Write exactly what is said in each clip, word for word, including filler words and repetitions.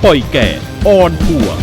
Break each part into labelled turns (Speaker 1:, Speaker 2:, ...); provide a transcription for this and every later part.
Speaker 1: ปล่อยแก่ออนทัวร์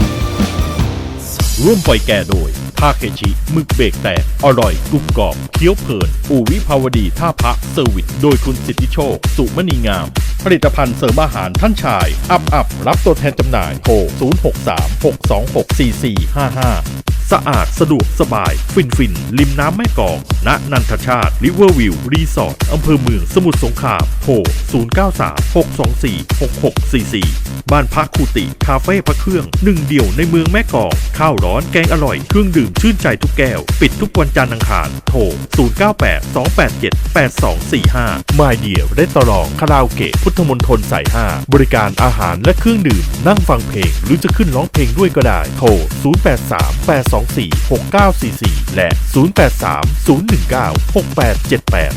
Speaker 1: ร่วมปล่อยแก่โดยทาเคชิหมึกเบรกแตกอร่อยกรุบกรอบเคี้ยวเพลินอู่วิภาวดีท่าพระเซอร์วิสโดยคุณสิทธิโชคสุมณีงามผลิตภัณฑ์เสริมอาหารท่านชายอัพอัพรับตัวแทนจำหน่ายโทรศูนย์ หก สาม หก สอง หก สี่ สี่ ห้า ห้าสะอาดสะดวกสบายฟินฟินริมน้ำแม่กลองณนันทชาติริเวอร์วิวรีสอร์ทอำเภอเมืองสมุทรสงครามโทรศูนย์ เก้า สาม หก สอง สี่ หก หก สี่ สี่บ้านพักคูติคาเฟ่พระเครื่องหนึ่งเดียวในเมืองแม่กลองข้าวร้อนแกงอร่อยเครื่องดื่มชื่นใจทุกแก้วปิดทุกวันจันทร์อังคารโทรศูนย์ เก้า แปด สอง แปด เจ็ด แปด สอง สี่ ห้า My Dear ได้ตลองคาราโอเกะพุทธมณฑลสายห้าบริการอาหารและเครื่องดื่มนั่งฟังเพลงหรือจะขึ้นร้องเพลงด้วยก็ได้โทรศูนย์ แปด สาม แปด สอง สี่ หก เก้า สี่ สี่และศูนย์ แปด สาม ศูนย์ หนึ่ง เก้า หก แปด เจ็ด แปด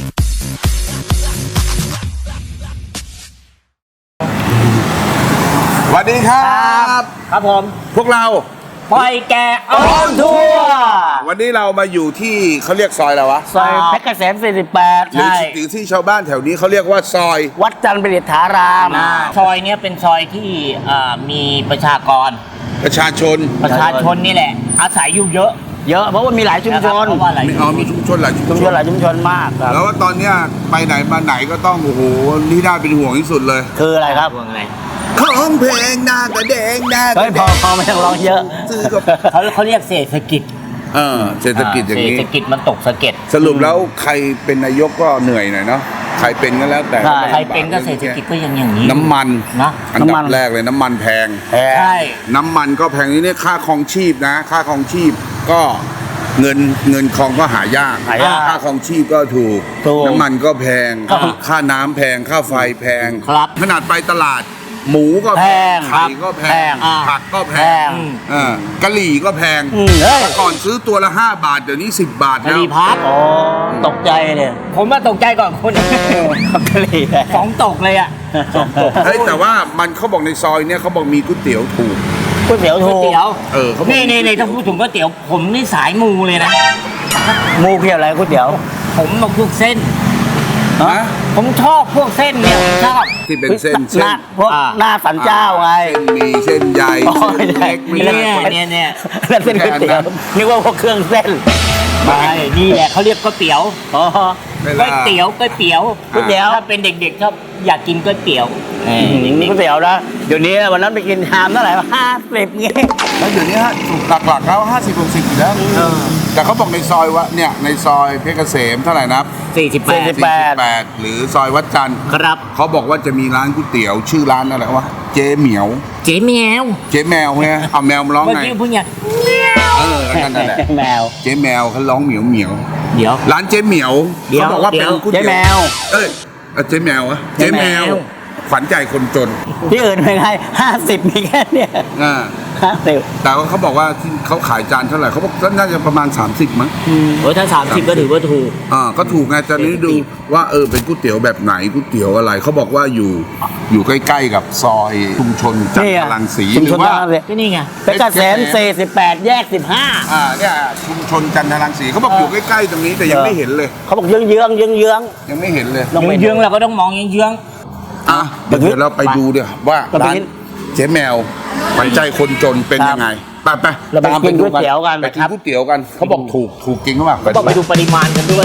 Speaker 2: สวัสดีครับ
Speaker 3: ครับผม
Speaker 2: พวกเรา
Speaker 3: ปล่อยแกออนทัวร์
Speaker 2: วันนี้เรามาอยู่ที่เขาเรียกซอยอะไรวะ
Speaker 3: ซอยเพชรเกษมสี่สิบแปด
Speaker 2: หรือ
Speaker 3: ใช่
Speaker 2: หรือที่ชาวบ้านแถวนี้เขาเรียกว่าซอย
Speaker 3: วัดจันทร์ประดิษฐารามซอยเนี้ยเป็นซอยที่อ่ามีประชากร
Speaker 2: ประชาชน
Speaker 3: ประชาชนนี่แหละ อาศัยอยู่เยอะ เยอะเพราะว่ามีหลายชุมชน
Speaker 2: มีอ๋อมีชุมชนหลายชุม
Speaker 3: ชุม
Speaker 2: ช
Speaker 3: ชน
Speaker 2: น
Speaker 3: หลายชุมชนมากครับ
Speaker 2: แล้วว่าตอนเนี้ยไปไหนมาไหนก็ต้องโอ้โหนี่น่าเป็นห่วงที่สุดเลย
Speaker 3: คืออะไรครับห่วงอะไร
Speaker 2: ของเพลงหน้ากระแดงหน้าก
Speaker 3: เฮ้ย
Speaker 2: ระ
Speaker 3: พ
Speaker 2: แด
Speaker 3: อง พอไม่ต้องร้องเยอะ
Speaker 2: ซื้อกับ
Speaker 3: เขาเขาเรียกเศรษฐกิจ
Speaker 2: เออเศรษฐกิจอย่างนี้
Speaker 3: เศรษฐกิจมันตกสะเก็ด
Speaker 2: สรุปแล้วใครเป็นนายกก็เหนื่อยหน่อยเนาะใครเป็นก็แล้วแต่
Speaker 3: ใครเป็นก็เศรษฐกิจก็ยังอย่างนี้
Speaker 2: น้ำมัน
Speaker 3: นะ
Speaker 2: อันดับแรกเลยน้ำมันแพง
Speaker 3: ใช่
Speaker 2: น้ำมันก็แพงนี่เนี่ยค่าครองชีพนะ ค่าครองชีพก็เงินเงินครองก็หายาก
Speaker 3: หายาก
Speaker 2: ค่าครองชีพก็ถูก
Speaker 3: ถูก
Speaker 2: น้ำมันก็แพง
Speaker 3: ครับ
Speaker 2: ค่าน้ำแพงค่าไฟแพง
Speaker 3: ครับ
Speaker 2: ขนาดไปตลาด หมูก็แพง
Speaker 3: แพงครับ
Speaker 2: ไข่ก็แพ
Speaker 3: แพ
Speaker 2: ง
Speaker 3: งอ่า
Speaker 2: ผักก็แพ
Speaker 3: แพ
Speaker 2: ง
Speaker 3: ง
Speaker 2: เออกะหรี่ก็แพง
Speaker 3: อืมเฮ้ย
Speaker 2: แต่ก่อนซื้อตัวละห้าบาทเดี๋ยวนี้สิบบาท
Speaker 3: กะ
Speaker 2: แล้
Speaker 3: ห
Speaker 2: ว
Speaker 3: รี่พับอ๋อตกใจเลยผมว่าตกใจก่อนคนกะหรี่สองตกเลยอ่ะสองตก
Speaker 2: เฮ้ยแต่ว่ามันเขาบอกในซอยเนี่ยเขาบอกมีก๋วยเตี๋ยวถูก
Speaker 3: ก๋วยเตี๋ยวก๋วยเตี๋ยว
Speaker 2: เออเขาบอก
Speaker 3: นี่นี่นี่ถ้าพูดถึงก๋วยเตี๋ยวผมนี่สายมูเลยนะมูเพียอะไรก๋วยเตี๋ยว ผมมาพวกเส้น
Speaker 2: ฮะ
Speaker 3: ผมชอบพวกเส้นเนี่ยผมชอบ
Speaker 2: ที่เป็นเส้น
Speaker 3: ห
Speaker 2: เส้น
Speaker 3: น้าพวกหน้าสันเจ้าไง
Speaker 2: เส้นหมีเส้นใหญ่
Speaker 3: อ๋อ
Speaker 2: เส้นเล็กไม่
Speaker 3: เนี่
Speaker 2: ใช่
Speaker 3: ยเนี่ยเนี่ยนั่นเป็นก๋วยเตี๋ยวนึกว่าพวกเครื่องเส้นไม่นี่แหละเขาเรียกก๋วยเตี๋ยวอ๋อ
Speaker 2: เว
Speaker 3: ก๋
Speaker 2: ลา
Speaker 3: วยเตี๋ยวก๋วยเตี๋ยวก๋วยเตี๋ยวถ้าเป็นเด็กๆชอบอยากกินก๋วยเตี๋ยวก๋วยเตี๋ยวนะเดี๋ยวนี้วันนั้นไปกินชามเท่าไหร่ห้าสิบเงี้ย
Speaker 2: แล้วเดี๋ยวนี้ฮะถูกหลักๆแล้วห้าสิบหกสิบอยู่แล้วแต่เขาบอกในซอยว่าเนี่ยในซอยเพชรเกษมเท่าไหร่นะ
Speaker 3: สี่สิบแปด
Speaker 2: สี่สิบแปดหรือซอยวัดจันทร์
Speaker 3: ครับ
Speaker 2: เขาบอกว่าจะมีร้านก๋วยเตี๋ยวชื่อร้านอะไรวะเจ๊เหมียว
Speaker 3: เจ๊แมว
Speaker 2: เจ๊แมวเนี่ยเอาแมวมาร้อง
Speaker 3: เมื่อ
Speaker 2: ไง
Speaker 3: กี้พูดไง
Speaker 2: เออนั่นนั่นแหละ
Speaker 3: แมว
Speaker 2: เจ๊แมวเขาร้องเหมียวเหมียว
Speaker 3: เดี๋ยว
Speaker 2: ร้านเจ๊เหมียว
Speaker 3: เดี๋ยว
Speaker 2: เขาบอกว่าเป็นก๋วยเตี๋ยว
Speaker 3: เจ๊แมว
Speaker 2: เอ้ยเอ้ยเจ๊แมวอะ
Speaker 3: เจ๊
Speaker 2: เจ๊
Speaker 3: แม
Speaker 2: แม
Speaker 3: ว
Speaker 2: วขวัญใจคนจน
Speaker 3: ที่อื่นเป็นไงห้าสิบมีแค่เนี่ย
Speaker 2: อ่า
Speaker 3: ห้าสิบ
Speaker 2: แต่ว่าเขาบอกว่าที่เขาขายจานเท่าไหร่เขาบอกน่าจะประมาณสามสิบมั้ง
Speaker 3: โอ้ยถ้าสามสิบก็ถือว่าถูก
Speaker 2: อ่าก็ถูกไงตอนนี้ดูว่าเออเป็นก๋วยเตี๋ยวแบบไหนก๋วยเตี๋ยวอะไรเขาบอกว่าอยู่อยู่ใกล้ๆกับซอยชุมชนจันทรังสี
Speaker 3: ชุม
Speaker 2: หรื
Speaker 3: ช
Speaker 2: อน ว่า
Speaker 3: จันทรังสีก็นี่ไงเพชรเกษมสี่สิบแปดแยกสิบห้า
Speaker 2: อ่าเนี่ยชุมชนจันทรังสีเขาบอกอยู่ใกล้ๆตรงนี้แต่ยังไม่เห็นเลย
Speaker 3: เขาบอกเยื้องเยื้องเยื้องเยื้อง
Speaker 2: ยังไม่เห็นเลย
Speaker 3: ๆเยื้องเราก็ต้องมองเยื้องเยื้อง
Speaker 2: อ่ะเดี๋ยวเราไปดูเดี๋ยวว่า
Speaker 3: เราไป
Speaker 2: ร้าน
Speaker 3: กิน
Speaker 2: เจ๊แมวขวัญใจคนจนเป็นยังไงไปไป
Speaker 3: เราไปกินก๋วยเตี๋ยวกัน
Speaker 2: ไปกิน
Speaker 3: ครับ
Speaker 2: ก๋วยเตี๋ยวกันเขาบอกถูกถูกจริงหรือเปล่า
Speaker 3: ต้องไปดูปริมาณกันด้วย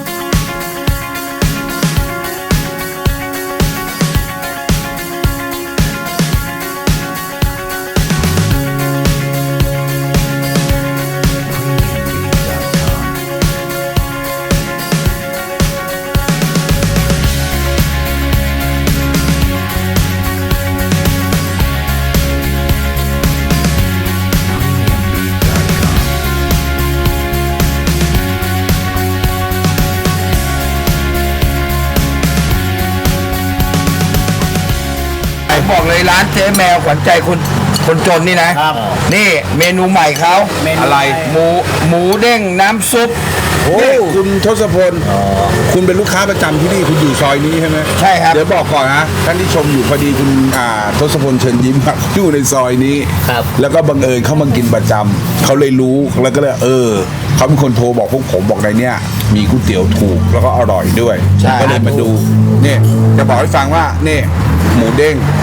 Speaker 4: บอกเลยร้านเจ๊แมวขวัญใจคนคนจนนี่นะ
Speaker 3: ครับ
Speaker 4: นี่เมนูใหม่เขา
Speaker 3: เมนู
Speaker 4: อะไร
Speaker 3: ใหม่
Speaker 4: หมูหมูเด้งน้ำซุป
Speaker 2: นี่คุณทศพลคุณเป็นลูกค้าประจำที่นี่คุณอยู่ซอยนี้ใช่ไหม
Speaker 4: ใช่ครับ
Speaker 2: เดี๋ยวบอกก่อนนะท่านที่ชมอยู่พอดีคุณอ่าทศพลเชิญยิ้มอะอยู่ในซอยนี้
Speaker 3: ครับ
Speaker 2: แล้วก็บังเอิญเข้ามากินประจำเขาเลยรู้แล้วก็เลยเออเขาเป็นคนโทรบอกพวกผมบอกในเนี้ยมีก๋วยเตี๋ยวถูกแล้วก็อร่อยด้วย
Speaker 4: ใช่
Speaker 2: ก็เลยมาดูนี่จะบอกให้ฟังว่านี่หมูเด้ง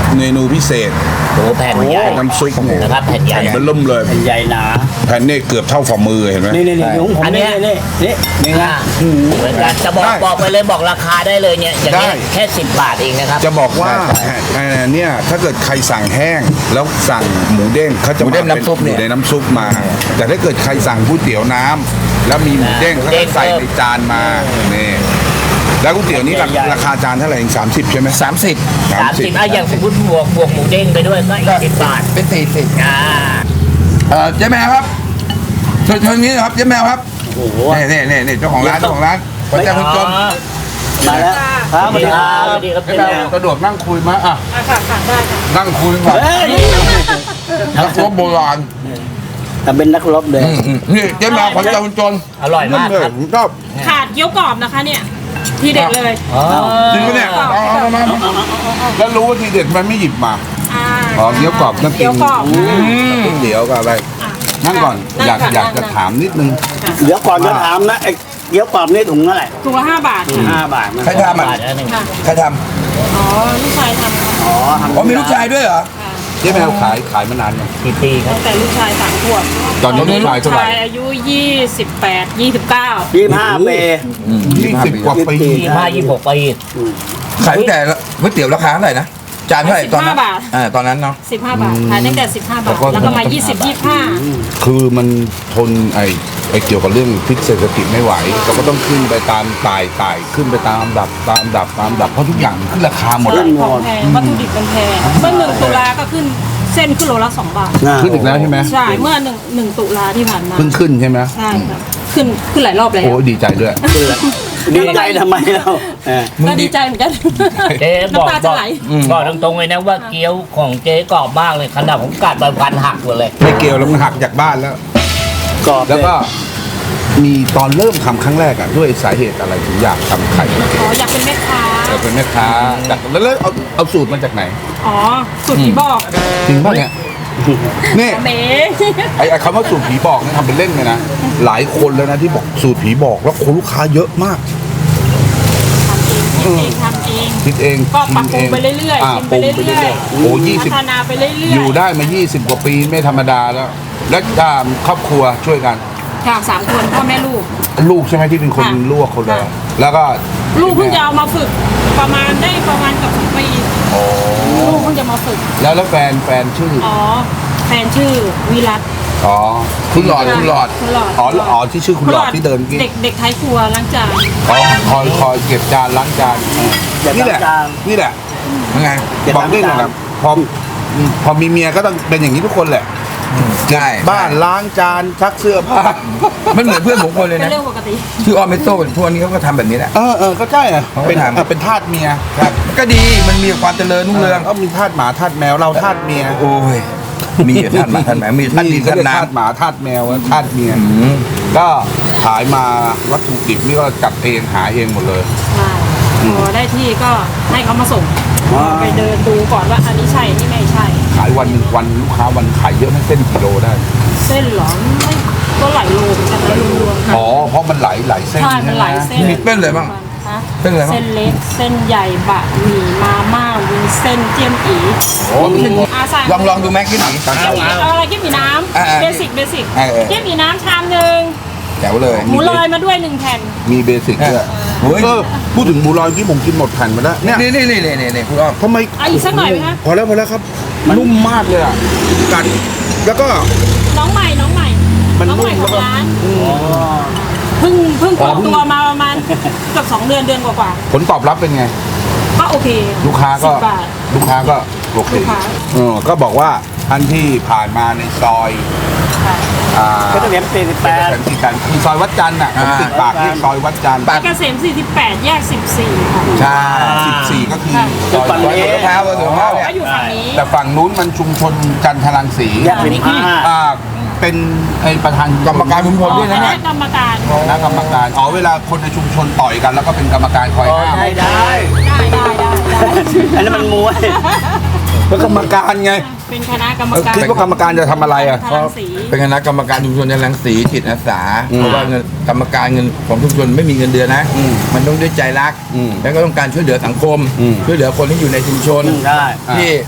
Speaker 2: เมนูพิเศษ
Speaker 3: โอ้แผ่นใหญ่
Speaker 2: น้ำซุปเนี่ย
Speaker 3: นะครับแผ่นใหญ่
Speaker 2: แผ่นเบอร์เริ่มเลย
Speaker 3: แผ่นใหญ่หนา
Speaker 2: แผ่นนี่เกือบเท่าฝ่ามือเห็นไหม
Speaker 4: นี่นี่นี่ของผม
Speaker 3: อันเนี้
Speaker 4: นี่
Speaker 3: ย
Speaker 4: นี่นี่นี่นะ
Speaker 3: เหมือนกันจะบอก
Speaker 2: ได้
Speaker 3: บอกไปเลยบอกราคาได้เลยเนี่ยอย่างนี้
Speaker 2: ได้
Speaker 3: แค่สิบบาทเองนะครับ
Speaker 2: จะบอกว่าแผ่นเนี่ยถ้าเกิดใครสั่งแห้ง แล้วสั่งหมูเด้งเขาจะ
Speaker 4: หมูเด้ง
Speaker 2: าป็
Speaker 4: น้ำซุปเนี่ย
Speaker 2: หมูเด้งน้ำซุปมา แต่ถ้าเกิดใครสั่งก๋วยเตี๋ยวน้ำแล้วมีหมูเด้ง
Speaker 3: หมู
Speaker 2: เขา
Speaker 3: เด้
Speaker 2: จะ
Speaker 3: ง
Speaker 2: ใส่ในจานมานี่แล้วก๋วยเตี๋ยวนี้รา
Speaker 3: ใหญ่ๆ
Speaker 2: ราคาจานเท่าไหร่เองสามสิบใช่ไหม
Speaker 4: สามสิบ
Speaker 3: สามสิบอ่ะอย่างสมมติบวกบวกหมูเด้งไปด้วยก็อีกสิบบาท
Speaker 4: เป็นสี่สิบ
Speaker 3: อ่า
Speaker 4: เออเจ๊แมวครับเชิญเชิญนี้นะครับเจ๊แมวครับ
Speaker 3: โอ้โห
Speaker 4: นี่นี่นี่นี่เจ้าของร้านเจ้าของร้านขวัญใจคนจน
Speaker 3: มาแล้วครับสวัสดีครับสวัสดีครับ
Speaker 2: ให้
Speaker 3: เจ๊
Speaker 2: แม่
Speaker 3: แมว
Speaker 2: กระโดดนั่งคุยมาอ่ะ
Speaker 5: อ่ะค่ะค่ะได้ค่ะ
Speaker 2: นั่งคุยก่อน
Speaker 3: เฮ้ย
Speaker 2: นักรบโบราณ
Speaker 3: แต่เป็นนักรบเลย
Speaker 4: อืมอืมนี่เจ๊แมวขวัญใจคนจน
Speaker 3: อร่อยมาก
Speaker 2: เลย
Speaker 3: ครับ
Speaker 2: ผมชอบ
Speaker 5: ขาดเกี๊ยวกรอบนะคะเนี่ย ทีเด็ดเลย
Speaker 3: อ๋อ
Speaker 2: จริงปะเนี่ยเอาเอาเอามาแล้วรู้ว่าทีเด็ดมันไม่หยิบมา
Speaker 5: อ่า
Speaker 2: อ๋อเกี๊ยวกรอบน้ำ
Speaker 5: เกี๊ยวกรอบนะ
Speaker 2: ก๋วยเตี๋ยวกับอะไร
Speaker 5: อ่ะ
Speaker 2: นั่งก่อน
Speaker 5: นั่ง
Speaker 2: อยาก
Speaker 5: ค่ะ
Speaker 2: อยากจะ
Speaker 5: นั่ง
Speaker 2: ถามนิดนึง
Speaker 3: เดี๋ยวก่อนจะถามนะไอ้เกี๊ยวกรอบนี่ถุงเท่าไหร่
Speaker 5: ถุงละห้าบาทค่ะ
Speaker 3: ห้าบาทนะ
Speaker 4: ใครทำอ่ะ
Speaker 3: บาทแล้วหนึ่ง
Speaker 5: ค่ะ
Speaker 4: ใครท
Speaker 5: อ๋อลูกชายทำค่ะ
Speaker 3: อ๋อทำ
Speaker 4: ำอ๋อมีลูกชายด้วยเหรอ
Speaker 5: ค่ะ
Speaker 2: เจ๊แมวขายขายมานานยัง
Speaker 3: กี่ปีครับ
Speaker 5: ตั้งแต่ลูกชายสามขวบ
Speaker 2: ตอนนี้ลูกชาย
Speaker 5: ลู
Speaker 2: เท่าก ไหร่
Speaker 5: ชายอายุยี่สิบแปดยี่สิบเก้า
Speaker 3: ยี่สิบห้าปี
Speaker 2: ยี่สิบกว่าปี
Speaker 3: ยี่สิบห้ายี่สิบหกปี
Speaker 4: ขายตั้งแต่ก๋วยเตี๋ยวราคาเท่าไหร่นะจานเท่าไหร่ตอนนั้นอ่าตอนนั้นเนาะ
Speaker 5: สิบห้าบาทขายตั้งแต่สิบห้าบาท แล้วก็มายี่สิบยี่สิบห้า
Speaker 2: คือมันทนไอ้ไอ้เกี่ยวกับเรื่องพิษเศรษฐกิจไม่ไหวเราก็ต้องขึ้นไปตามตายตายขึ้นไปตามลำดับตามลำดับตามลำดับเพราะทุกอย่างมันขึ้นราคาหมด
Speaker 5: ใช่
Speaker 2: อะ
Speaker 5: ของแพงวัตถุดิบมันแพงเมื่อหนึ่งตุลาก็ขึ้นเส้นขึ้นโลละสองบาท
Speaker 2: ขึ้นอีกแล้วใช่ไหม
Speaker 5: ใช่ เมื่อหนึ่งหนึ่งตุลาที่ผ่านมา
Speaker 2: เพิ่งขึ้นใช่ไหม
Speaker 5: ใช่ครับขึ้นขึ้นหลายรอบแล้ว
Speaker 2: โอ้ยดีใจด้วย
Speaker 3: ดีใจทำไมเรา
Speaker 5: ก็ดีใจเหมือนกัน
Speaker 3: เจ๊บอก
Speaker 5: น้ำตา
Speaker 3: บ
Speaker 5: จะ
Speaker 3: อก
Speaker 5: ไหล
Speaker 3: บอกตรงๆเลยนะว่าเกี๊ยวของเจ๊กรอบมากเลยขนาดผมกัดไปพันหักหมดเลย
Speaker 2: ไม่เกี่ยวแล้วมันหักจากบ้านแล้ว
Speaker 3: กรอบ
Speaker 2: แล้วก็มีตอนเริ่มทำครั้งแรกอะด้วยสาเหตุอะไรถึงอยากทำไข่
Speaker 5: อ๋ออยากเป็นแม่ค้า
Speaker 2: เราเป็นแม่ค้าจากแล้วแล้วเอาเอาสูตรมาจากไหน
Speaker 5: อ๋อสุดที่บอก
Speaker 2: จริงป่ะเนี่ยนี่
Speaker 5: เม
Speaker 2: ไอ้ไอ้คำว่าสูตรผีบอกเนี่ยทำเป็นเล่นเลยนะหลายคนแล้วนะที่บอกสูตรผีบอกแล้วคนลูกค้าเยอะมาก
Speaker 5: ทำเองทำเอง
Speaker 2: คิดเอง
Speaker 5: ก็ปรับปรุง
Speaker 2: ชิม
Speaker 5: ไปเรื่อย
Speaker 2: า
Speaker 5: ๆชิมไปเรื่
Speaker 2: ปรุง
Speaker 5: อย
Speaker 2: ๆโอ้ยี่
Speaker 5: ๆ
Speaker 2: สิบ
Speaker 5: พัฒนาไปเรื่อยๆ
Speaker 2: อยู่ได้มายี่สิบกว่าปีไม่ธรรมดาแล้ว และอ่าครอบครัวช่วยกัน
Speaker 5: ค่ะสามคนพ่อแม่ลูก
Speaker 2: ลูกใช่ไหมที่เป็นคน
Speaker 5: ค่ะ
Speaker 2: ลวกคนเลย
Speaker 5: ค่ะ
Speaker 2: แล้วก็
Speaker 5: ลูกเพิ่งจะเอามาฝึกประมาณได้ประมาณเกับสองปีลูกเพิ่งจะมาฝึก
Speaker 2: แล้วแล้วแฟนแฟนชื่อ
Speaker 5: อ๋อแฟนชื่อวิรัต
Speaker 2: อ๋อคุณหลอดคุณหลอด
Speaker 5: คุณหลอด
Speaker 2: อ๋ออ๋อที่ชื่อคุณหลอดที่เดินเมื่อกี้
Speaker 5: เด็กเด็กไทยครัวล้างจาน
Speaker 2: อ๋อคอยคอยเก็บจานล้างจานนี่แหละนี่แหละ
Speaker 4: ยังไง
Speaker 2: บอกได้เลยนะพอพอมีเมียก็ต้องเป็นอย่างนี้ทุกคนแหละ
Speaker 4: ใช่
Speaker 2: บ้านล้างจานชักเสื้อผ้า
Speaker 4: มันเหมือนเพื่อนผมคนเลย
Speaker 5: เป็น
Speaker 4: นะ
Speaker 5: เรื่องปกติ
Speaker 4: ชื่อออมเมโต้ทุกวันนี้เขาก็ทำแบบนี้แหละ
Speaker 2: เออเออก็ใช่อะ
Speaker 4: เขาก็
Speaker 2: เป็น
Speaker 4: ทำ
Speaker 2: เออเป็นทาสเมีย
Speaker 4: ครับก็ดีมันมีความเจริญรุ่งเรือง
Speaker 2: ก็มีทาสหมาทาสแมวเราทาสเมีย
Speaker 4: โอ้ยมีท่านหมาท่านแหมมีท่านดิน
Speaker 2: เขา
Speaker 4: ท่าน
Speaker 2: เรียก
Speaker 4: น้
Speaker 2: ทาสหมาทาสแมวทาสเมีย
Speaker 4: ำอืม
Speaker 2: ก็ขายมาวัตถุดิบนี่ก็จัดเองหาเองหมดเลย
Speaker 5: ใช่พอได้ที่ก็ให้เขามาส่งไปเดินดูก่อนว่าอันนี้ใช่อันนี่ไม่ใช่
Speaker 2: ขายวันหนึ่งวันลูกค้าวันขายเยอะไหมเส้นกิโลได้
Speaker 5: เส้นเหรอไม่ก็หลายโลเหมือนกันนะรวมๆกัน
Speaker 2: อ๋อเพราะมันไหลไหลเส้น
Speaker 5: ใช่มันหลายเส้น
Speaker 4: มีเส้นอะไรบ้าง
Speaker 5: ฮะ
Speaker 4: เส้นอะไรบ้าง
Speaker 5: เส้นเล็กเส้นใหญ่บะหมี่มาม่าวุ้นเส้นเจียมอี
Speaker 2: โอ้มี
Speaker 5: อาสั่ง
Speaker 4: ลองลองดูแม็กกี้หนัง
Speaker 5: เอาเอาอะไรกิ๊บหมี่น้
Speaker 4: อ่า
Speaker 5: ำ
Speaker 4: อ่า
Speaker 5: เบสิกเบสิก
Speaker 4: เออเออ
Speaker 5: กิ๊บหมี่น้ำชามหนึ่ง
Speaker 4: แจ๋วเลย
Speaker 5: หมูลอยมาด้วยหนึ่งแผ่น
Speaker 2: มีเบสิกด้วย
Speaker 4: เฮ้ย
Speaker 2: เออพูดถึงหมูลอยที่ผมกินหมดแผ่นมาแล้วเนี่ย
Speaker 4: นี่นี่นี่นี่นี่นี่คุณอ้อม
Speaker 2: ทำไม
Speaker 5: เอาอีกสักหน่อยไหมคะ
Speaker 2: พอแล้วพอแล้วครับนุ่มมากเลยอ่ะกัดแล้วก็
Speaker 5: น้องใหม่น้องใหม่
Speaker 2: มัน
Speaker 5: น้องใหม่
Speaker 2: นุ่ม
Speaker 5: ของ
Speaker 2: แล้วก็
Speaker 5: ร้านเพิ่งเพิ่งเปิดตัวมาประมาณเกือบสองเดือนเดือนกว่า
Speaker 2: ผลตอบรับเป็นไง
Speaker 5: ๆก็โอเค
Speaker 2: ลูกค้าก็
Speaker 5: สิบบาท
Speaker 2: ลูกค้าก็โอเค
Speaker 5: ลูกค้า
Speaker 2: เออก็บอกว่าท่านที่ผ่านมาในซอย
Speaker 5: ค่ะ
Speaker 2: อ่า
Speaker 3: ก็จะเห็นสี่สิบแปด
Speaker 2: สันติกันคือซอยวัดจันทร์อ่ะผมติดปากที่ซอยวัดจันทร์
Speaker 5: เกษมสี่สิบแปดแยกสิบสี่ค่ะ
Speaker 4: ใช่
Speaker 2: สิบสี่ก็คือ
Speaker 5: ค่ะ
Speaker 2: ซอย
Speaker 4: ซอยสวนมะพร้าวซอยสวนมะพร้าวเนี่ย
Speaker 5: ก็อยู่ฝั่งนี้
Speaker 2: แต่ฝั่งนู้นมันชุมชนจันทรังสี
Speaker 3: แยกสิบห้า
Speaker 2: อ่าเป็นไอประธาน
Speaker 4: กรรมการชุมชนด้วยนะ
Speaker 5: ค
Speaker 4: เนี่ย
Speaker 5: ณะกรรมการ
Speaker 2: คณะกรรมการอ๋อเวลาคนในชุมชนต่อยกัน แล้วก็เป็นกรรมการคอยห้าม
Speaker 3: ได้ได้
Speaker 5: ได้ได้ได้ได้
Speaker 3: อันนั้นมันมวย
Speaker 2: เป็นกรรมการไง
Speaker 5: เป็นคณะกรรม
Speaker 2: เออ
Speaker 5: การ
Speaker 2: คิดว่ากรรมการจะทำอะไรอ่ะ
Speaker 5: ทางสี
Speaker 4: เป็นคณะกรรมการชุมชนในรังสีจิตอาสา
Speaker 2: อืม
Speaker 4: เพราะว่าเงินกรรมการเงินของชุมชนไม่มีเงินเดือนนะ
Speaker 2: อืม
Speaker 4: มันต้องด้วยใจรัก
Speaker 2: อืม
Speaker 4: แล้วก็ต้องการช่วยเหลือสังคม
Speaker 2: อืม
Speaker 4: ช่วยเหลือคนที่อยู่ในชุมชน
Speaker 3: ได้
Speaker 4: ที่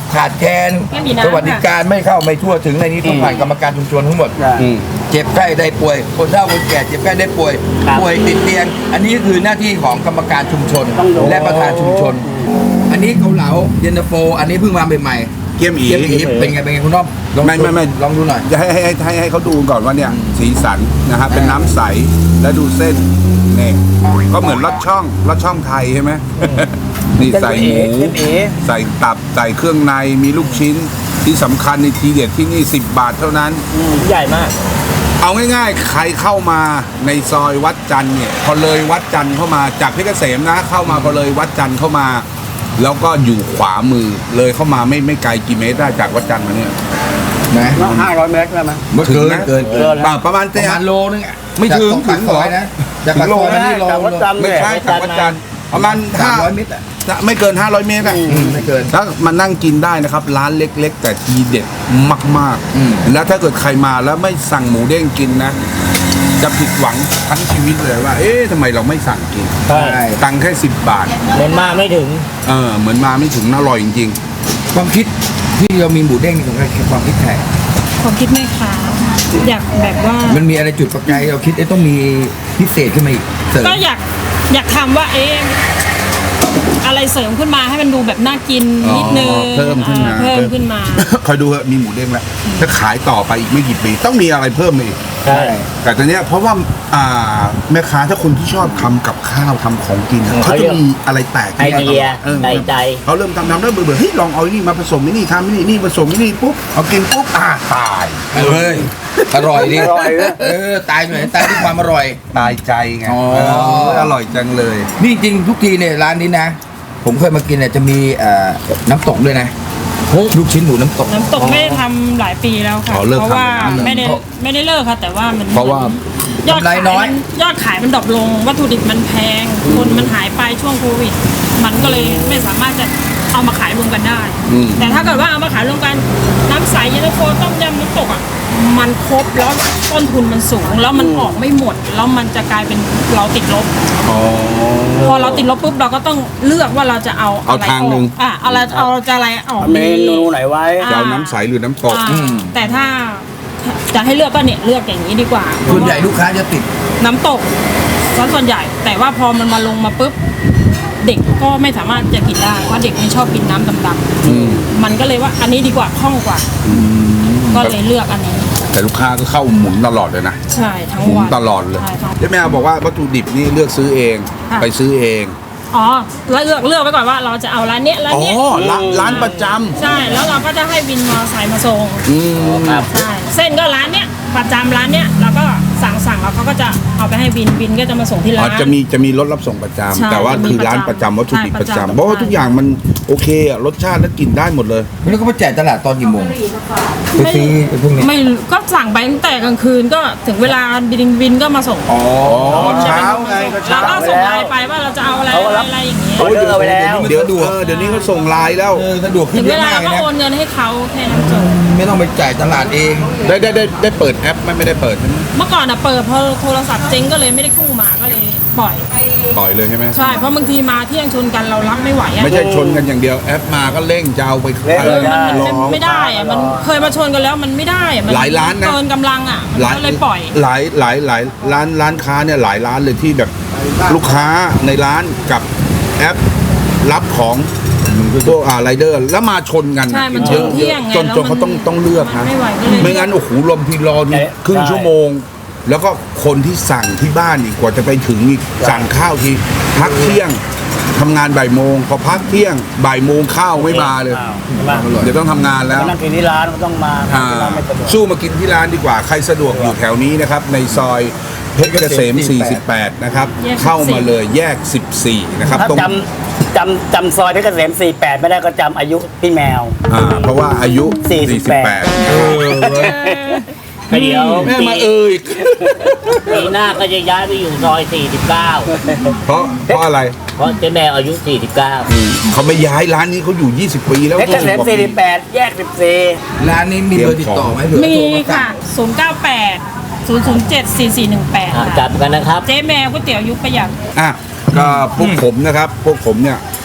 Speaker 4: ขาดแคลน
Speaker 5: ไม่มีน้ำ
Speaker 4: สวัสดิการไม่เข้าไม่ทั่วถึงอะไรนี้ต้องผ่านกรรมการชุมชนทั้งหมด
Speaker 2: อืม
Speaker 4: เจ็บไข้ได้ป่วย คนเฒ่าคนแก่เจ็บไข้ได้ป่วย
Speaker 3: ครับ
Speaker 4: ป่วยติดเตียง อันนี้คือหน้าที่ของกรรมการชุมชน
Speaker 3: ต้องดู
Speaker 4: และประธานชุมชน อันนี้เกาเหลาเย็นตาโฟอันนี้เพิ่งมาใหม่ๆ
Speaker 2: เกี๊ยมอี
Speaker 4: เกี๊ยมอีเป็นไงเป็นไงคุณน้อมลอง
Speaker 2: ไม่ไม่ไม่
Speaker 4: ลองดูหน่อย
Speaker 2: จะให้ให้ให้ให้เขาดูก่อนว่าเนี่ยสีสันนะฮะเป็นน้ำใสแล้วดูเส้นเนี่ยก็เหมือนลอดช่องลอดช่องไทยใช่ไหมนี่ใส่หมู
Speaker 3: เส้นเอ๋
Speaker 2: ใส่ตับใส่เครื่องในมีลูกชิ้นที่สำคัญในทีเด็ดที่นี่สิบบาทเท่านั้น
Speaker 3: อืมใหญ่มาก
Speaker 2: เอาง่ายๆ ใครเข้ามาในซอยวัดจันทร์เนี่ยพอเลยวัดจันทร์เข้ามาจากเพชรเกษมนะเข้ามาพอเลยวัดจันทร์เข้ามา แล้วก็อยู่ขวามือเลยเข้ามาไม่ไม่ไกลกี่เมตรได้จากวัดจันทร์มาเนี่ย
Speaker 4: นะ
Speaker 3: ห้าร้อยเมตรได้ไหม
Speaker 4: เมื่อเกิน
Speaker 2: ถึงนะ
Speaker 4: เกินเกิน
Speaker 2: ป่าประมาณ
Speaker 4: ประ
Speaker 2: เท่า
Speaker 4: มาณโลนึงอะ
Speaker 2: ไม่ถึง
Speaker 4: จากปากซอยนะจากปากซอยมานี่โล
Speaker 3: จากวัดจันทร์
Speaker 2: ไม่ใช่จากวัดจันทร์ประมาณ
Speaker 4: สาม
Speaker 2: ห้า
Speaker 4: ร้อยเมตรอะ
Speaker 2: ไม่เกินห้าร้อยเมตรอะ
Speaker 4: อืมไม่เกิน
Speaker 2: ถ้ามานั่งกินได้นะครับ ร้านเล็ก ๆ แต่ทีเด็ดมาก
Speaker 4: อืม
Speaker 2: ๆ แล้วถ้าเกิดใครมาแล้วไม่สั่งหมูเด้งกินนะ จะผิดหวังทั้งชีวิตเลยว่า เอ๊ะทำไมเราไม่สั่งกิน
Speaker 3: ใช่
Speaker 2: ตังค์แค่สิบบาท
Speaker 3: เหมือนมาไม่ถึง
Speaker 2: เออเหมือนมาไม่ถึงอร่อยจริง
Speaker 4: ความคิดที่เรามีหมูเด้งนี่ของใครความคิดใคร
Speaker 5: ผมคิดไม่ค้าอยากแบบว่า
Speaker 4: มันมีอะไรจุดประกายเราคิดเอ๊ะต้องมีพิเศษขึ้นมาอีกเสริม
Speaker 5: ก็อยากอยากทำว่าเอ๊ะอะไรเสริมขึ้นมาให้มันดูแบบน่ากินนิดนึง
Speaker 2: อ๋อเพิ่มขึ้นมา
Speaker 5: เพิ่มขึ้นมา
Speaker 2: ๆ คอยดูเถอะมีหมูเด้งแล้วถ้าขายต่อไปอีกไม่กี่ปีต้องมีอะไรเพิ่มมาอีก
Speaker 3: ใช่
Speaker 2: แต่ตอนเนี้ยเพราะว่าอ่าแม่ค้าถ้าคนที่ชอบทำกับข้าวทำของกินอะเขาจะมีอะไรแปลก
Speaker 3: ไอเดีย
Speaker 2: ออ
Speaker 3: ใส่ใจ
Speaker 2: เขาเริ่มทำทำแล้วเบื่อๆเฮ้ยลองเอาไอ้นี่มาผสมไอ้นี่ทำไอ้นี่นี่ผสมไอ้นี่ปุ๊บเอากินปุ๊บอ่าตาย
Speaker 4: เฮ้ยอร่อยดิ
Speaker 3: อร่อยนะ
Speaker 4: เออตายหน่อยตายที่ความอร่อย
Speaker 2: ตายใจไง
Speaker 4: อ๋อ
Speaker 2: เอออร่อยจังเลย
Speaker 4: นี่จริงทุกทีเนี่ยร้านนี้นะ ผมเคยมากินเนี่ยจะมีเอ่อน้ำตกด้วยนะลูกชิ้นหมูน้ำตก
Speaker 5: น้ำตกไม่ได้ทำหลายปีแล้วค่ะ
Speaker 2: อ๋อเลิก
Speaker 5: เพราะว่า
Speaker 2: ทำแล้ว
Speaker 5: ไม่ได้ไม่ได้เลิกค่ะ แต่ว่ามัน
Speaker 2: เพราะว่า
Speaker 5: ยอด
Speaker 4: กำไร
Speaker 5: ขาย
Speaker 4: น้อย
Speaker 5: มันยอดขายมันดรอปลง วัตถุดิบมันแพง คนมันหายไปช่วงโควิด มันก็เลยไม่สามารถจะเอามาขายรวมกันได้
Speaker 2: อืม
Speaker 5: แต่ถ้าเกิดว่าเอามาขายรวมกันน้ำใสเย็นตาโฟต้มยำน้ำตกอ่ะมันครบแล้วต้นทุนมันสูง แล้วมันออกไม่หมด แล้วมันจะกลายเป็นเราติดลบ
Speaker 2: อ๋อ
Speaker 5: พอเราติดลบปุ๊บเราก็ต้องเลือกว่าเราจะเอา
Speaker 2: เอา
Speaker 5: อะไร
Speaker 2: ทาง
Speaker 5: อ
Speaker 2: หนึ่
Speaker 5: อก
Speaker 2: ง
Speaker 5: อ่ะเอาอะไรเอาจะอะไรออก
Speaker 3: เม
Speaker 5: ดี
Speaker 3: นูไหนไว้
Speaker 2: จะเอาน้ำใสหรือน้ำตก
Speaker 5: อ่า
Speaker 4: อืม
Speaker 5: แต่ถ้าจะให้เลือกก็เนี่ยเลือกอย่างนี้ดีกว่า
Speaker 4: ส่วนใหญ่ลูกค้าจะติด
Speaker 5: น้ำตกซะส่วนใหญ่ แต่ว่าพอมันมาลงมาปุ๊บเด็กก็ไม่สามารถจะกินได้เพราะเด็กไม่ชอบกินน้ำดำ
Speaker 2: อืม
Speaker 5: ๆมันก็เลยว่าอันนี้ดีกว่าคล่องกว่า ก็เลยเลือกอันนี้
Speaker 2: แต่ลูกค้าก็เข้าหมุนตลอดเลยนะ
Speaker 5: ใช่ทั้ง
Speaker 2: หมุน
Speaker 5: วัน
Speaker 2: ตลอดเลย
Speaker 5: ใช่ทั้ง
Speaker 2: เจ๊แมวบอกว่าวัตถุดิบนี่เลือกซื้อเอง
Speaker 5: ค่ะ
Speaker 2: ไปซื้อเอง
Speaker 5: อ๋อแล้วเลือกเลือกไว้ก่อนว่าเราจะเอาร้านเนี้ยร้าน
Speaker 2: อ๋อ
Speaker 5: เนี้ย
Speaker 2: ร้านร้านประจ
Speaker 5: ใช่แล้วเราก็จะให้วินมอเตอร์ไซค์มาส่ง
Speaker 2: ำอืม
Speaker 3: ครับ
Speaker 5: ใช่เส้นก็ร้านเนี้ยประจำร้านเนี้ยเราก็สั่งสั่งแล้วเขาก็จะเอาไปให้บินบินก็จะมาส่งที่
Speaker 2: อ๋
Speaker 5: ร้า
Speaker 2: อน จะมีจะมีรถรับส่งประจำ
Speaker 5: ใช่
Speaker 2: แต่ว่า
Speaker 5: จะมี
Speaker 2: คือร้านป
Speaker 5: ประ ระ
Speaker 2: จำ
Speaker 5: จำ
Speaker 2: วัตถุดิบ
Speaker 5: ใช่
Speaker 2: ประจำ
Speaker 5: ประจำ
Speaker 2: เพราะว่าทุกอย่างมันโอเคอะรสชาติและกลิ่นได้หมดเลย
Speaker 4: แล้วก็มาแจกตลาดตอนกี่โมงไปซื้อไอ้พวกนี้
Speaker 5: ไม่ก็สั่งไปตั้งแต่กลางคืนก็ถึงเวลาบินบินก็มาส่ง
Speaker 4: อ๋อ
Speaker 5: จะ
Speaker 2: เช้า
Speaker 5: เป็น
Speaker 2: ไงก็
Speaker 5: เรา
Speaker 2: เช้า
Speaker 5: ก็ส่งไลน์ไปว่าเราจะเอาอะไร
Speaker 3: เขาก็รับ
Speaker 5: อะไรอย่างเงี้ย
Speaker 3: ออเดอร์ไปแล้ว
Speaker 2: เดี๋ยวเออเดี๋ยวนี้ก็ส่งไลน์แล้ว
Speaker 4: เออสะดวกขึ้
Speaker 5: ถึ
Speaker 4: น
Speaker 5: ง
Speaker 4: เย
Speaker 5: เว
Speaker 4: อะ
Speaker 5: ลาม
Speaker 4: ากเลย
Speaker 5: ก็
Speaker 4: นะ
Speaker 5: โอนเงินให้เขาแค่นั้นจบ
Speaker 4: ไม่ต้องไปจ่ายตลาดเอง
Speaker 2: ได้ได้ได้ได้เปิดแอปไหมไม่ได้เปิดใช่ไหม
Speaker 5: เมื่อก่อนอะเปิดพอโทรศัพท์เจ๊งก็เลยไม่ได้กู้มาก็เลยปล่อย
Speaker 2: ปล่อยเลยใช่ไหม
Speaker 5: ใช่เพราะบางทีมาเที่ยงชนกันเรารับไม่ไหวอะ
Speaker 2: ไม่ใช่ชนกันอย่างเดียวแอปมาก็เร่งจะเอาไป
Speaker 3: เร่ง
Speaker 5: เออมัน
Speaker 2: รอ
Speaker 5: มันไม่ได้อะมันเคยมาชนกันแล้วมันไม่ได้อะมั
Speaker 2: หลายร้านนะ
Speaker 5: เกินกำลังอะมันก็เลยปล่อย
Speaker 2: หลายหลายหลายร้านร้านค้าเนี่ยหลายร้านเลยที่แบบลูกค้าในร้านกับแอปรับของพวกอ่าไรเดอร์แล้วมาชนกัน
Speaker 5: ใช่มันชนเที่ยงไง
Speaker 2: จน
Speaker 5: แล้ว
Speaker 2: จนเขา
Speaker 5: มัน
Speaker 2: ต้องต้องเลือกนะ
Speaker 5: มันไม่ไหวก็เลย
Speaker 2: ไม่งั้นโอ้โหลมทีรอดู
Speaker 3: ใช่
Speaker 2: ครึ่งชั่วโมง แล้วก็คนที่สั่งที่บ้านอีกกว่าจะไปถึงอีกสั่งข้าวทีพักเที่ยงทำงานบ่ายโมงพอพักเที่ยงบ่ายโมงข้าวไม่มาเลย
Speaker 3: อ้าวใช่ปะ
Speaker 2: เดี๋ยวต้องทำงานแล้ว
Speaker 3: นั่งกินที่ร้านก็ต้องมา
Speaker 2: อ่า
Speaker 3: ที่ร้านไม่สะดวก
Speaker 2: สู้มากินที่ร้านดีกว่า ใครสะดวกอยู่แถวนี้นะครับ ในซอยเพชรเกษม สี่สิบแปด นะครับ
Speaker 5: แยกสิบสี่
Speaker 2: เข้ามาเลยแยก สิบสี่ นะครับ
Speaker 3: ถ้า
Speaker 2: ตรง
Speaker 3: จำจำจำซอยเพชรเกษมสี่แปดไม่ได้ก็จำอายุพี่แมว
Speaker 2: อ่าเพราะว่าอายุ
Speaker 3: สี่สิบแปด
Speaker 2: สี่สิบแปดเออเว้ย
Speaker 3: ก็เดี๋ยว
Speaker 2: แม่
Speaker 3: ปี
Speaker 2: มาเอ่ย
Speaker 3: ปีหน้าก็จะย้ายไปอยู่ซอยสี่สิบเก้า
Speaker 2: เพราะเพราะอะไร
Speaker 3: เพราะเจ๊แมวอายุสี่สิบเก้า
Speaker 2: เขาไม่ย้ายร้านนี้เขาอยู่ ยี่สิบ ปีแล้ว
Speaker 3: เพชรเกษมสี่สิบแปดแยกสิบสี่
Speaker 4: ร้านนี้มีเบอร์ติดต่อไหมเผื่อ
Speaker 5: มี
Speaker 4: โทรมาสั่
Speaker 5: ค่ะ
Speaker 4: ง
Speaker 5: ศูนย์ เก้า แปด ศูนย์ ศูนย์ เจ็ด สี่ สี่ หนึ่ง แปด
Speaker 3: อ่ะจับกันนะครับ
Speaker 5: เจ๊แมวก๋วยเตี๋ยวยุคประหยัด
Speaker 2: อ่ะก็พวกผมนะครับ พวกผมเนี่ย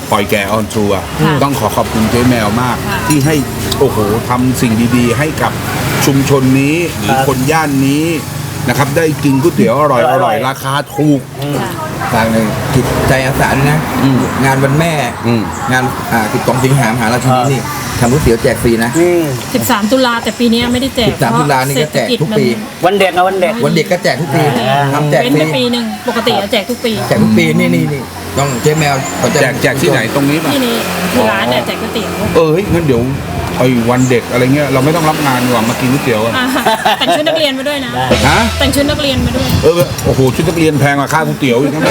Speaker 2: ปล่อยแก่ออนทัวร์
Speaker 5: ค่ะ
Speaker 2: ต้องขอขอบคุณเจ๊แมวมาก
Speaker 5: ค่ะ
Speaker 2: ที่ให้โอ้โหทำสิ่งดีๆ ให้กับชุมชนนี้หรือคนย่านนี้นะครับ ได้กินก๋วยเตี๋ยวอร่อยอร่อยราคาถูก
Speaker 5: ค่ะ
Speaker 4: ทางหนึ่งจิตใจอาสาด้วยนะ
Speaker 2: อืม
Speaker 4: งานวันแม่
Speaker 2: อืม
Speaker 4: งานอ่าสิบสองสิงหามหาราชินีนี่ทำก๋วยเตี๋ยวแจกฟรีนะ
Speaker 5: สิบสามตุลาแต่ปีนี้ไม่ได้แจก
Speaker 4: สิบสามตุลานี่ก็แจกทุกปี
Speaker 3: วันเด็กนะวันเด็ก
Speaker 4: วันเด็กก็แจกทุกปีทำแจก
Speaker 5: เป็น
Speaker 4: ฟรี
Speaker 5: ไปปีหนึ่งปกติจะแจกทุกปี
Speaker 4: แจกทุกปีนี่นี่นี่ต้องเจ๊แมวเขาจะ
Speaker 2: แจกแจกที่ไหนตรงนี้ป่ะ
Speaker 5: ที่นี่ที่ร้านเนี่ยแจกก๋วยเตี๋ยว
Speaker 2: เออเฮ้ยงั้นเดี๋ยวไอ้วันเด็กอะไรเงี้ยเราไม่ต้องรับงานดีกว่ามากินก๋วยเตี๋ยวอะ
Speaker 5: อ่าแต่งชุดนักเรียนมาด้วยนะ
Speaker 2: ฮะ
Speaker 5: แต่งชุดนักเรียนมาด้วย
Speaker 2: เออโอ้โหชุดนักเรียนแพงกว่าค่าก๋วยเตี๋ยวอีกนะ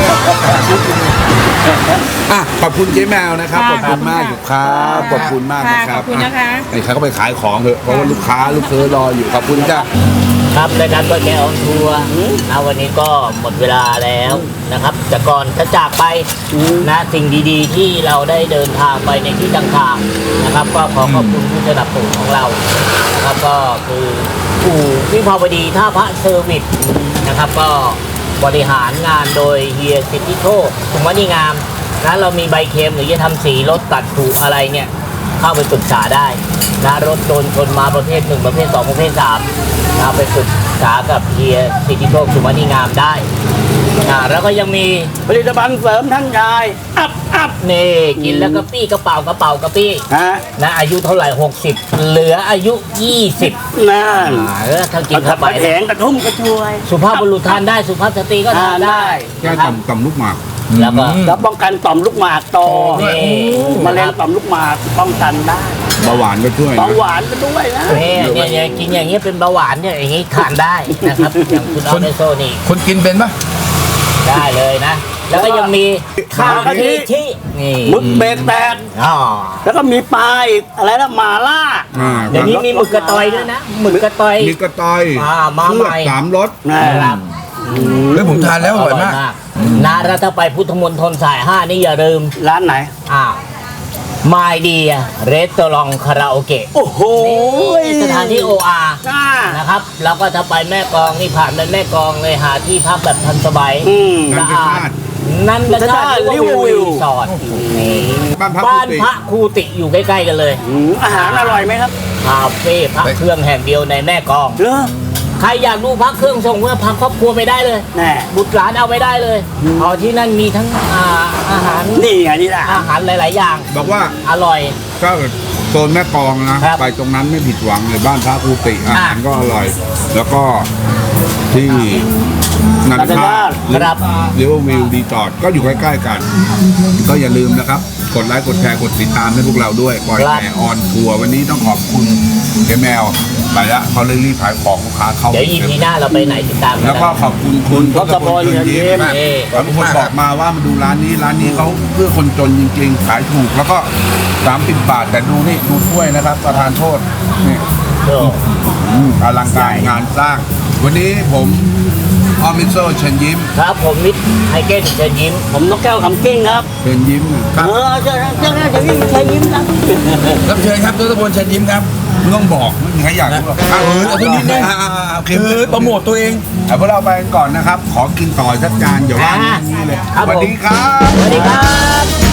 Speaker 2: อ่ะขอบคุณเจ๊แมวนะครับข
Speaker 5: ค่ะ
Speaker 2: อบคุณมาก
Speaker 5: ขอบคุณ
Speaker 2: ครั
Speaker 5: ค่ะ
Speaker 2: บขอบคุณมากนะครับ
Speaker 5: ขอบคุณนะคะ
Speaker 2: ไอ้ใครก็ไปขายของเถอะเพราะว่าลูกค้าลูกเค้ารออยู่ขอบคุณจ้า
Speaker 3: ครับรายการเปิดแกออนทัวร์นะวันนี้ก็หมดเวลาแล้วนะครับแต่ก่อนจะจากไปนะสิ่งดีๆ ที่เราได้เดินทางไปในที่ต่างๆนะครับ ก็ขอขอบคุณผู้สนับสนุนของเรานะครับก็คืออู่วิภาวดีท่าพระเซอร์วิสนะครับ ก็บริหารงานโดยเฮียสิทธิโชคสุวรรณีงามนะเรามีใบเค็มหรือจะทำสีรถตัดผุอะไรเนี่ยเข้าไปปรึกษาได้นะรถโดนชนมาประเภทหนึ่งประเภทสองประเภทสามนะไปปรึกษากับเฮียสิทธิโชคสุวรรณีงามได้นะแล้วก็ยังมีผลิตภัณฑ์เสริมท่านชายอัพอัพนี่กินแล้วก็ปี้กระเป๋ากระเป๋ากระปี้นะอายุเท่าไหร่หกสิบเหลืออายุยี่สิบ
Speaker 6: นั่น
Speaker 3: เออถ้ากินเข้าไป
Speaker 6: แผงกระทุ่มกระชวย
Speaker 3: สุภาพบุรุษทานได้สุภาพสตรีก็ทานได้
Speaker 2: แก้
Speaker 3: นะครับ
Speaker 2: ต่ำต่ำลูกหมาก
Speaker 3: แล้วก็
Speaker 6: แล้วป้องกันต่อมลูกหมากโต
Speaker 3: นี่
Speaker 6: มะเร็งต่อมลูกหมากป้องกันได้
Speaker 2: เบาหวานก็ช่วย
Speaker 6: เบา
Speaker 2: นะ
Speaker 6: หวานก็ด้วยนะ
Speaker 3: เนี่ยเนี่ยเนี่ยกินอย่างเงี้ยเป็นเบาหวานเนี่ยอย่างงี้ทานได้นะครับอย่างคุณออเดโซนี่
Speaker 4: คนกินเป็นปะ
Speaker 3: ได้เลยนะ แล้วก็ยังมีข้าวกะทิที่นี่
Speaker 6: หมึกเบรกแตก
Speaker 3: อ๋อ
Speaker 6: แล้วก็มีปลาอีกอะไรนะหมาล่า
Speaker 2: อ่า
Speaker 3: เดี๋ยวนี้มีหมึกกระตอยด้วยนะหมึกกระตอย
Speaker 2: มีกระต่อย
Speaker 3: อ่ามา
Speaker 2: เคลื
Speaker 3: ให
Speaker 2: อบ
Speaker 3: ม่
Speaker 2: สามรส
Speaker 3: นะครับ
Speaker 4: เฮ้ยผมทานแล้วอร่อยมาก
Speaker 3: นะแล้วถ้าไปพุทธมณฑลสายห้านี่อย่าลืม
Speaker 6: ร้านไหน
Speaker 3: อ้าวมายเดียเรสตอรองคาราโอเกะ
Speaker 6: โอ้โห
Speaker 3: นี่สถานที่ โอ อาร์
Speaker 6: น่า
Speaker 3: นะครับ แล้วก็ถ้าไปแม่กลองนี่ผ่านไปแม่กลองเลยหาที่พักแบบทันสบาย
Speaker 6: อืม
Speaker 3: สะอาดนันทชาติริววิวรีสอร์ทนี่
Speaker 2: บ้านพัก
Speaker 3: บ้าน
Speaker 2: กุฏิ
Speaker 3: พระครูติอยู่ใกล้ๆกันเลย
Speaker 6: อืมอาหารอร่อยไหมครับ
Speaker 3: คาเฟ่พักเครื่องแห่งเดียวในแม่กลอง
Speaker 6: เลอ
Speaker 3: ใครอยากดูพักเครื่องส่งเพื่อพักครอบครัวไปได้เลย
Speaker 6: แน่
Speaker 3: บุตรหลานเอาไปได้เลยเอาที่นั่นมีทั้งอาอาหาร
Speaker 6: นี่ไงนี่แหละ
Speaker 3: อาหารหลาย ๆ อย่าง
Speaker 2: บอกว่า
Speaker 3: อร่อย
Speaker 2: ก็โซนแม่กลองนะ
Speaker 3: ครับ
Speaker 2: ไปตรงนั้นไม่ผิดหวังเลยบ้านพระครูติอาหาร
Speaker 3: อ่ะ
Speaker 2: ก็อร่อย แล้วก็ที่นันทา
Speaker 3: ครับ
Speaker 2: เรียกว่าวิวดีจอดก็อยู่ใกล้ๆกัน ก็อย่าลืมนะครับ กดไลค์กดแชร์กดติดตามให้พวกเราด้วยปล่อย
Speaker 3: ครับ
Speaker 2: แห่ออนทัวร์วันนี้ต้องขอบคุณเจ๊แมวไปละเขาเลยรีบขายของลูกค้าเข้า
Speaker 3: เดี๋ยวอีพีหน้าเราไปไหนติดตามกัน
Speaker 2: แล้วก็
Speaker 3: นะ
Speaker 2: ขอบคุณคุณทศพลเชิญยิ้ม
Speaker 3: นี่
Speaker 2: แล้วทุกคนบอกมาว่ามาดูร้านนี้ร้านนี้เขาเพื่อคนจนจริงๆ ขายถูก แล้วก็สามสิบบาทแต่ดูนี่ดูถ้วยนะครับประทานโทษนี่
Speaker 3: โอ้
Speaker 2: อืมอลังการงานสร้าง วันนี้ผมออมิโซเชิญยิ้ม
Speaker 3: ครับผมมิตรไฮเกนเชิญยิ้ม
Speaker 6: ผมนกแก้วคำกิ้งครับ
Speaker 2: เชิญยิ้มค
Speaker 6: เอ
Speaker 2: รับ
Speaker 6: อเจ้าเจ้าเจ้ายิ้มใช้ยิ้มครับ
Speaker 4: รับเชิญครับทศพลเชิญยิ้มครับ
Speaker 2: ไม่ต้องบอกไม่มีใครอยากรู้หรอก
Speaker 4: เออเอาตัวนี้นะ
Speaker 2: อ่าๆๆโอเค
Speaker 4: เออโปรโมทตัวเอง
Speaker 2: เอาพวกเราไปกันก่อนนะครับ ขอกินต่อสักจานอย่าว่าอย่างนี้เลย
Speaker 3: ครับ
Speaker 2: สวัส
Speaker 3: ผม
Speaker 2: ดีครับ
Speaker 3: สวัสดีครับ